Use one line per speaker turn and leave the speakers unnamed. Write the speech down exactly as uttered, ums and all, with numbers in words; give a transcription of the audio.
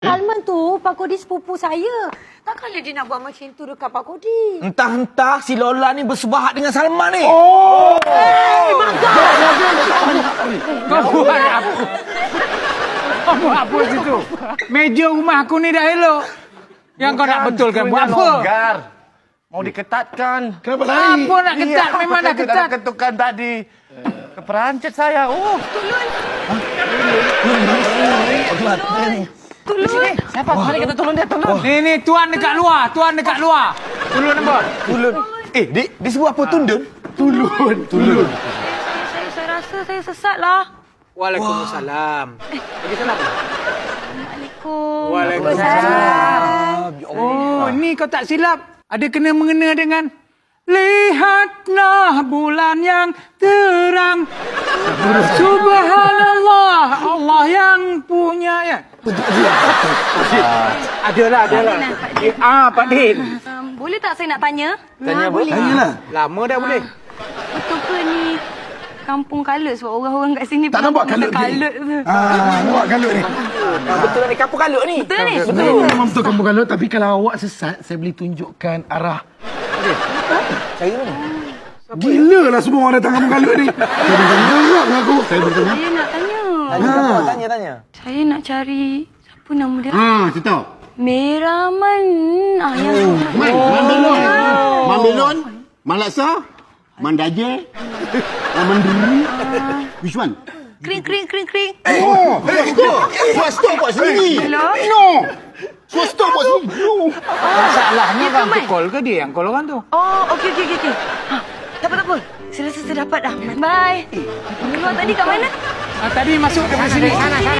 Salman tu, Pak Kodi sepupu saya. Takkanlah dia nak buat macam tu dekat Pak Kodi.
Entah-entah si Lola ni bersebahat dengan Salman ni.
Oh!
Eh, Maga!
Kau buat apa? Kau buat apa situ? Meja rumah aku ni dah elok. Yang kau nak betulkan buat apa?
Longgar. Mau diketatkan.
Kenapa lari?
Apa nak ketat?
Iya,
Memang dah
aku
ketat.
ketukan tadi. Keperancet saya. Oh,
Tulun!
siapa? Mari kita tolong dia, tolong.
Ni, ni, tuan dekat luar. Tuan dekat luar. Tulun nampak?
Tulun. Eh, dia, dia sebut apa? Tundun?
Tulun. Tulun.
Saya, saya rasa saya sesat lah.
Waalaikumsalam. Bagi salam.
Assalamualaikum.
Waalaikumsalam. Oh, ni kau tak silap. Ada kena mengena dengan lihatlah bulan yang terang. Subhanallah, Allah yang punya ya. Adalah, adalah.
Pak Din,
Ah, Pak Din.
Um, boleh tak saya nak tanya?
Tanya apa?
Tanyalah.
Lama dah boleh.
Betul ke ni kampung kalut sebab orang-orang kat sini
Tak nampak kalut ni?
kalut tu.
Ah, nampak kalut ni.
Ah, betul ni kampung kalut ni.
Betul ni?
Betul, memang betul kampung kalut. Tapi kalau awak sesat, saya boleh tunjukkan arah.
Cari mana?
Gila lah semua orang datang kampung kalut ni. Saya bertanya dengan aku. Saya bertanya.
Saya nak tanya.
Tanya siapa? Tanya, tanya.
Saya nak cari siapa nama dia?
Ah, saya tahu.
Meraman. Ah, yang
Man, Man Belon. Man Belon, Man Laksa, Man Daje, Man Mandiri. Which one?
kring kring kring kring.
Oh, swasta buat sendiri.
Hello?
No. Swasta buat sendiri. No.
Masalahnya
Dia
kan
pemain.
tu call ke dia yang call orang tu?
Oh, okey okey okey. okey. Ha, tak apa tak apa. Saya rasa saya dapat dah. Bye. Keluar tadi kat mana?
Ah, tadi masuk dari sini.